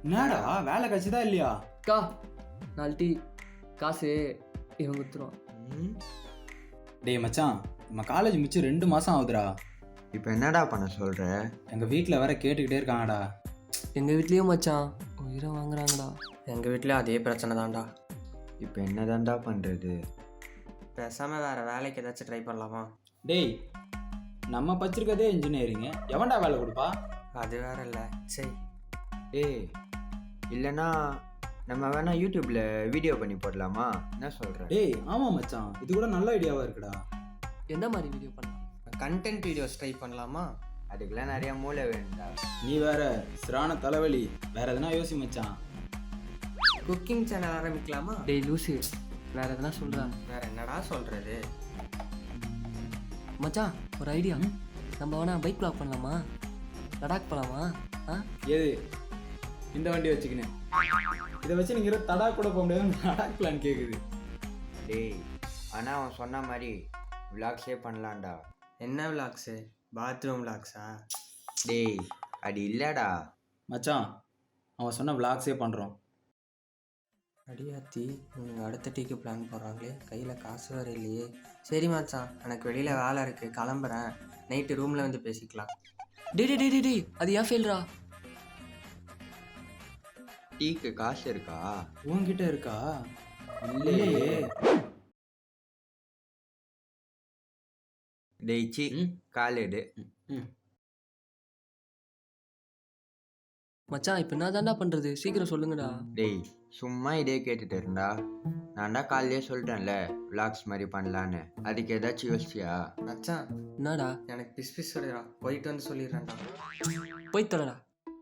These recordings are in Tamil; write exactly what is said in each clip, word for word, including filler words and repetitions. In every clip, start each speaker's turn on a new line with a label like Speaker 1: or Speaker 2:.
Speaker 1: என்னடா வேலை கட்சிதா இல்லையா?
Speaker 2: அக்கா நாலு டீ காசு இவன் குத்துருவான்.
Speaker 1: டேய் மச்சான், நம்ம காலேஜ் முடிச்சு ரெண்டு மாசம் ஆகுதுடா.
Speaker 3: இப்போ என்னடா பண்ண சொல்ற?
Speaker 1: எங்க வீட்டில் வேற கேட்டுக்கிட்டே இருக்காங்கடா.
Speaker 2: எங்கள் வீட்லேயும் மச்சான் உயிரை வாங்குறாங்கடா.
Speaker 4: எங்கள் வீட்லேயும் அதே பிரச்சனை தான்டா.
Speaker 3: இப்போ என்னதான்டா பண்றது?
Speaker 4: பேசாமல் வேறு வேலைக்கு ஏதாச்சும் ட்ரை பண்ணலாமா?
Speaker 1: டேய், நம்ம படிச்சிருக்கதே இன்ஜினியரிங், எவன்டா வேலை கொடுப்பா?
Speaker 4: அது வேற இல்லை. சரி,
Speaker 3: ஏய் இல்லைன்னா நம்ம வேணா யூடியூப்ல வீடியோ பண்ணி போடலாமா? என்ன சொல்ற?
Speaker 1: டேய் ஆமா மச்சான், இது கூட நல்ல ஐடியாவா இருக்குடா.
Speaker 2: எந்த மாதிரி வீடியோ பண்ணலாம்?
Speaker 4: கண்டென்ட் வீடியோஸ் ட்ரை பண்ணலாமா?
Speaker 3: அதுக்கெல்லாம் நிறைய மூளை வேணும்டா.
Speaker 1: நீ வேற சிறான தலைவலி, வேற எதுனா யோசி மச்சான்.
Speaker 4: குக்கிங் சேனல் ஆரம்பிக்கலாமா?
Speaker 2: டேய் லூசி, வேற எதனா சொல்கிறா?
Speaker 4: வேற என்னடா சொல்கிறது?
Speaker 2: மச்சான் ஒரு ஐடியா. நம்ம வேணா பைக் ப்ளாக் பண்ணலாமா? லடாக் போகலாமா? ஆ
Speaker 1: ஏது இந்த வண்டி வச்சுக்கினேன், இதை வச்சு நீங்க தடா கூட போக முடியாது. லடாக் பிளான் கேட்குது.
Speaker 3: டேய் ஆனால் அவன் சொன்ன மாதிரி விளாக்ஸே பண்ணலாம்டா.
Speaker 4: என்ன விளாக்ஸு? பாத்ரூம் விளாக்ஸா?
Speaker 3: டேய் அது இல்லைடா.
Speaker 1: மச்சான் அவன் சொன்ன விளாக்ஸே பண்ணுறோம்.
Speaker 4: அடியாத்தி, நீங்கள் அடுத்த டீக்கு பிளான் போடுறாங்களே, கையில் காசு வேறு இல்லையே. சரி மச்சான், எனக்கு வெளியில் வேலை இருக்குது, கிளம்புறேன். நைட்டு ரூமில் வந்து பேசிக்கலாம்.
Speaker 2: டே டே டே டே டே அது ஏன் ஃபெயில்ரா?
Speaker 3: டீக்கு காசு இருக்கா?
Speaker 1: உன்கிட்ட இருக்கா? இல்லையே.
Speaker 3: டேய் சி காலேடு.
Speaker 2: மச்சான் இப்போ என்ன தாண்டா பண்ணுறது? சீக்கிரம் சொல்லுங்கடா.
Speaker 3: டேய் சும்மா இதே கேட்டுட்டு இருந்தா, நான் தான் காலையிலே சொல்லிட்டேன்ல விளாக்ஸ் மாதிரி பண்ணலான்னு. அதுக்கு ஏதாச்சும் யோசிச்சியா?
Speaker 4: மச்சான்
Speaker 2: என்னடா?
Speaker 4: எனக்கு பிஸ் பிஸ் வருடா, போயிட்டு வந்து சொல்லிடுறேன்டா.
Speaker 2: போய் தொலைடா.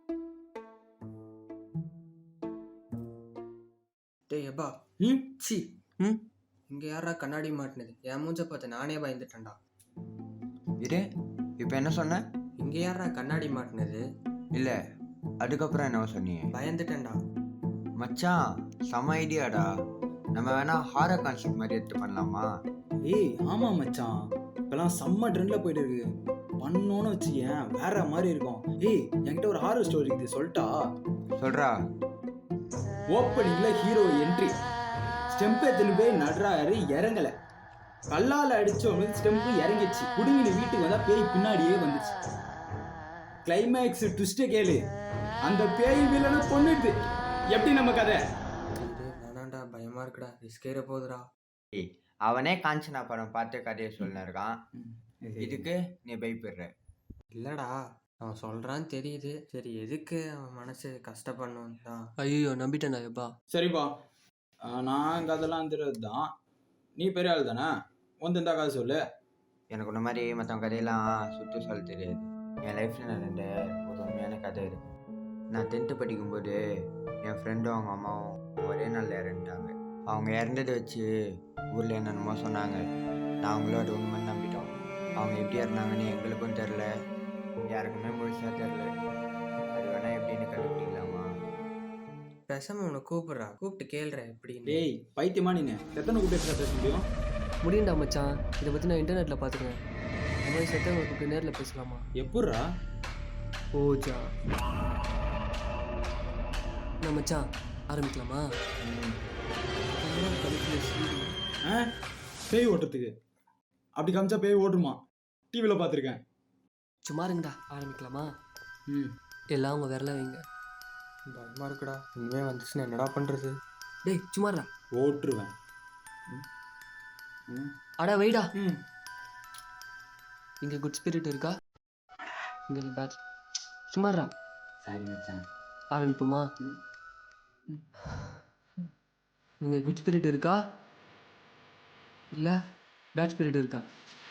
Speaker 4: டேய் எப்பா,
Speaker 1: ம்
Speaker 4: சி
Speaker 2: ம்
Speaker 4: இங்கே யாரா கண்ணாடி மாட்டினது? என் மூஞ்ச பார்த்து நானே பயந்துட்டேன்டா.
Speaker 3: இது இப்போ என்ன சொன்ன?
Speaker 4: இங்கே யாரா கண்ணாடி மாட்டினது?
Speaker 3: இல்லை அதுக்கப்புறம் என்ன சொன்னியே?
Speaker 4: பயந்துட்டேன்டா.
Speaker 3: மச்சான் செம ஐடியாடா. நம்ம வேணா ஹாரர் கான்செப்ட் மாதிரி எடுத்து பண்ணலாமா?
Speaker 1: ஏய் ஆமா மச்சான், இப்பெல்லாம் செம்ம ட்ரெண்ட்ல போயிட்டு இருக்கு. பண்ணோன்னு வச்சுக்கேன் வேற மாதிரி இருக்கும். ஏய் என்கிட்ட ஒரு ஹாரர் ஸ்டோரி இருக்குது, சொல்லிட்டா?
Speaker 3: சொல்றா.
Speaker 1: ஓப்பனிங்ல ஹீரோ என்ட்ரி, ஸ்டெம்ப் எடுத்துன்னு போய் நடுறாரு, இறங்கல. கல்லால் அடிச்சவனு ஸ்டெம்ப் இறங்கிச்சு. குடுங்கின வீட்டுக்கு வந்தா பேய் பின்னாடியே வந்துச்சு. கிளைமேக்ஸ் ட்விஸ்ட கேளு, அந்த பேய் வில்லனை கொன்னுடுது. எப்படி நம்ம கதை?
Speaker 4: இது வேணாண்டா, பயமா இருக்குடா, ரிஸ்கேற போகுதுடா.
Speaker 3: ஏய் அவனே காஞ்சனா படம் பார்த்து கதையை சொல்லிருக்கான், இதுக்கு நீ பயப்படுற?
Speaker 4: இல்லடா, அவன் சொல்றான்னு தெரியுது. சரி எதுக்கு அவன் மனசு கஷ்டப்படணும் தான்.
Speaker 2: ஐயோ நம்பிட்டேன்டா எப்பா.
Speaker 1: சரிப்பா, நான் கதெல்லாம் தெரியாது தான். நீ பெரிய ஆள் தானே, வந்து இந்த கதை சொல்லு.
Speaker 3: எனக்கு இந்த மாதிரி மற்றவங்க கதையெல்லாம் சுற்றி சொல்ல தெரியாது. என் லைஃப்பில் நடந்த ஒரு உண்மையான கதை இருக்கு. நான் டென்த்து படிக்கும்போது என் ஃப்ரெண்டும் அவங்க அம்மாவும் ஒரே நாளில் இறந்துட்டாங்க. அவங்க இறந்ததை வச்சு ஊரில் என்னென்னமோ சொன்னாங்க. நான் அவங்களோட உண்மைன்னு நம்பிட்டோம். அவங்க எப்படி இருந்தாங்கன்னு எங்களுக்கும் தெரில, யாருக்குமே முழுசாக தெரில. அது வேணால் எப்படின்னு கண்டுபிடிக்கலாமா?
Speaker 4: பேசாம உன்னை கூப்பிடுறா, கூப்பிட்டு கேள்ற எப்படின்னு.
Speaker 1: டேய் பைத்தியமா நீங்க, எத்தனை கூப்பிட்டு பேச முடியும்?
Speaker 2: முடியும்டா மச்சான், இதை பற்றி நான் இன்டர்நெட்டில் பார்த்துருக்கேன். இந்த மாதிரி செத்தவங்களை கூப்பிட்டு நேரில் பேசலாமா?
Speaker 1: எப்பட்றா?
Speaker 2: ஓஜா நான் மச்சான் ஆரம்பிக்கலாமா?
Speaker 1: ஆ பேய் ஓட்டுறதுக்கு அப்படி காமிச்சா பேய் ஓட்டுமா? டிவியில் பார்த்துருக்கேன்.
Speaker 2: சும்மா இருங்கடா, ஆரம்பிக்கலாமா?
Speaker 1: ம்
Speaker 2: எல்லாம் உங்கள் விரல வைங்க.
Speaker 4: பயமா இருக்குடா, இனிமே வந்துச்சுன்னா என்னடா பண்றது?
Speaker 2: டேய் சும்மாடா.
Speaker 1: ஓட்டுருவேன். ம்
Speaker 2: அடா வைடா.
Speaker 1: ம்
Speaker 2: இங்கே குட் ஸ்பிரிட் இருக்கா? இங்கே பேட் சும்மாடா.
Speaker 1: சரி மச்சான்,
Speaker 2: ஆரம்பிப்போமா? இங்கே குட் ஸ்பிரிட் இருக்கா இல்லை பேட் ஸ்பிரிட் இருக்கா?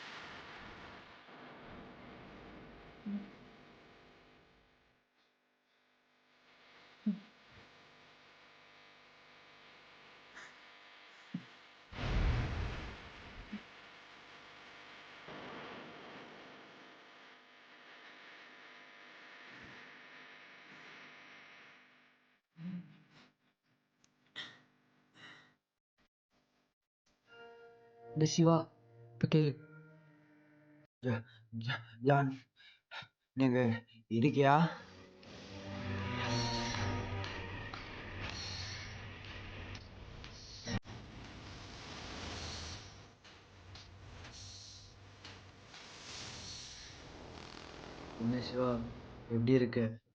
Speaker 2: இந்த சிவா இப்போ கேளு.
Speaker 3: ஜான் நீங்கள் இருக்கியா?
Speaker 5: என்ன சிவா, எப்படி இருக்க?